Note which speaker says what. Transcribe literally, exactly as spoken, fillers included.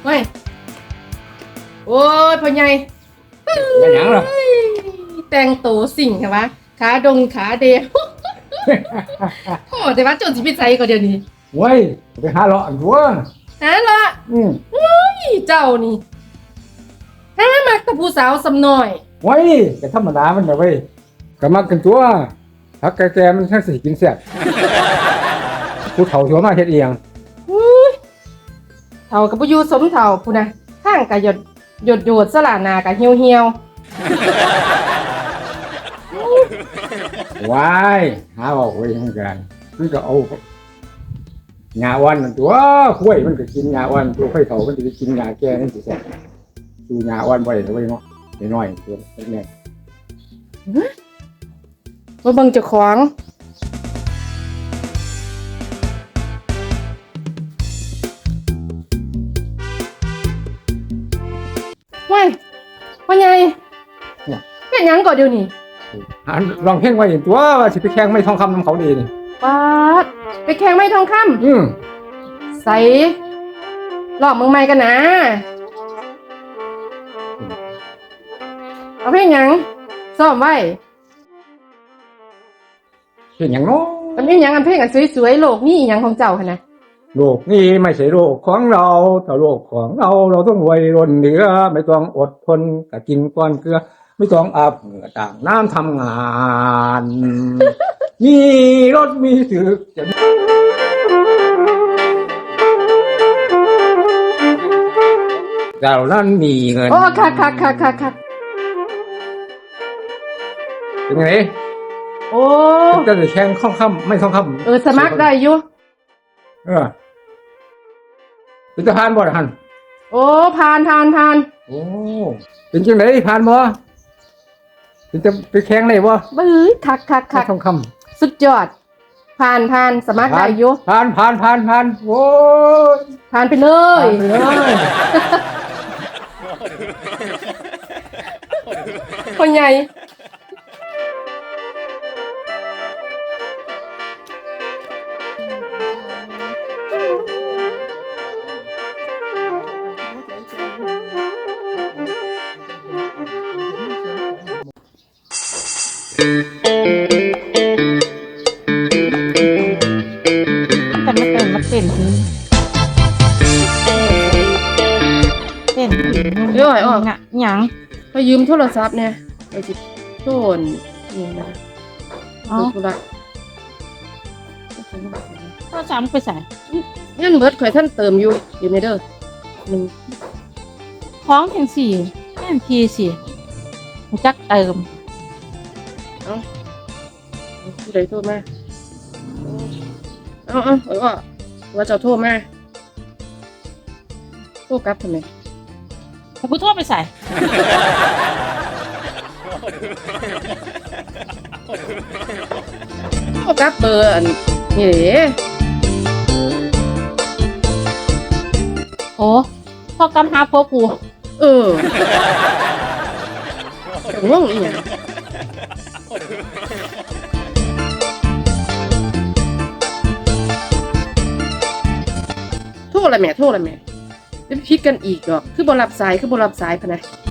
Speaker 1: ไม่โอ้ยพ่อใหญ่
Speaker 2: เป็นหยังหรอ
Speaker 1: แต่งตัวสิ่งใช่ปะขาดงขาเดียวโอ้แต่ว่าจนสิพิจัยก็เดี๋ยวนี้
Speaker 2: เว้ยไปหาเลาะอันตัว
Speaker 1: ฮะละ
Speaker 2: อืม
Speaker 1: นี่เจ้านี่ฮะมักแต่ผู้สาวสำน้อย
Speaker 2: เว้ยแต่ธรรมดามันแบบเว้ยก็มักกันตัวผักแก่ๆมันทั้งสิกินแซ่บผู้เฒ่าชัวมาเฮ็ดเอียง
Speaker 1: อุ้ยเท่ากับผู้อยู่สมเท่าผู้นะข้างกะหยดหยดหยดสลาหนากะเหี่ยวเหี่ยว
Speaker 2: ว้ายหาเอาไว้ทำกันมันก็เอาหญ้าอ่อนนั่นตัวข้วยมันก็กินหญ้าอ่อนตัวข้อยเฒ่ามันจะกินหญ้าแก่นั่นสิแซ่บดูหญ้าอ่อนบ่ได้เอาไว้เนาะน้อยๆตัวเล็ก
Speaker 1: มาเบิ่งเจ้าของว้ายพ่อใหญ่เป็นหยังก่อนเดี๋ยวนี้
Speaker 2: ๆหันลองเพลงไว้เห็นตัวว่าสิไปแข่งไม่ทองคำนำเขาดีนี่
Speaker 1: ป๊าดไปแข่งไม้ทองค
Speaker 2: อืม
Speaker 1: ำใส่รอบเมืองใหม่กันนะเอาเพลงหยังซ้อมไว้
Speaker 2: เห็นอย่างเน้อ
Speaker 1: อันนี้หยังอันเพลงอันสวยๆโลกนี่อีหยังของเจ้าค่ะนะ
Speaker 2: โลกนี้ไม่ใช่โลกของเราแต่โลกของเราเราต้องรวยล้นเหลือไม่ต้องอดทนกับกินก้อนเกลือ ไม่ต้องอาบเหงื่อต่างน้ำทำงาน มีรถมีถึกจะเรานั้นมีเงิน
Speaker 1: โอ้ค่ะค่ะค่ะค่ะค่ะ
Speaker 2: เป็นไง
Speaker 1: โอ้
Speaker 2: จะได้แข่งข้องคำไม่ข้องคำ
Speaker 1: เออสมัครได้อยู่
Speaker 2: เออเป็นทหารบ่ทหาร
Speaker 1: โอ้ผ่านผ่านผ่าน
Speaker 2: โอ้เป็นจังไดผ่านบ่เป็นจะไปแข่งได้บ่
Speaker 1: บื้อคักคัก
Speaker 2: ไม่
Speaker 1: คัก
Speaker 2: ข้องคำ
Speaker 1: สุดยอด ผ่านผ่านสมัครได้อยู่
Speaker 2: ผ่านผ่านผ่านผ่านโอ้ย
Speaker 1: ผ่านไปเลย
Speaker 2: ผ่านไปเลย
Speaker 1: คนใหญ่
Speaker 3: แต่มาเต้นมาเต้นทีเต้นทีงะหยัง
Speaker 1: ไปยืมโทรศัพท์เนี่ยไปจิโทนนี่นะ
Speaker 3: อ๋อ
Speaker 1: ดูธุระ
Speaker 3: ก็จำไปใส่
Speaker 1: เงินเบิดข่อยท่านเติมอยู่อยู่ในเด้อหนึ่ง
Speaker 3: คล้องเพียงสี่แม่นทีสี่หูจักเติม
Speaker 1: ผู้ใดโทรมาเอาเอาเอาเอาว่าเจะโทรมาโทรกลับทำไม
Speaker 3: แต่กูโทษไปใส่
Speaker 1: โทรกลับเบอร์อันนี่เด้
Speaker 3: โอ้พอกำหาพวกกู
Speaker 1: เออง่วงอีหยังโทรอะไรแม่โทรอะไรแม่จะพิดกันอีกดอกคือบรับสายคือบรับสายพะนะ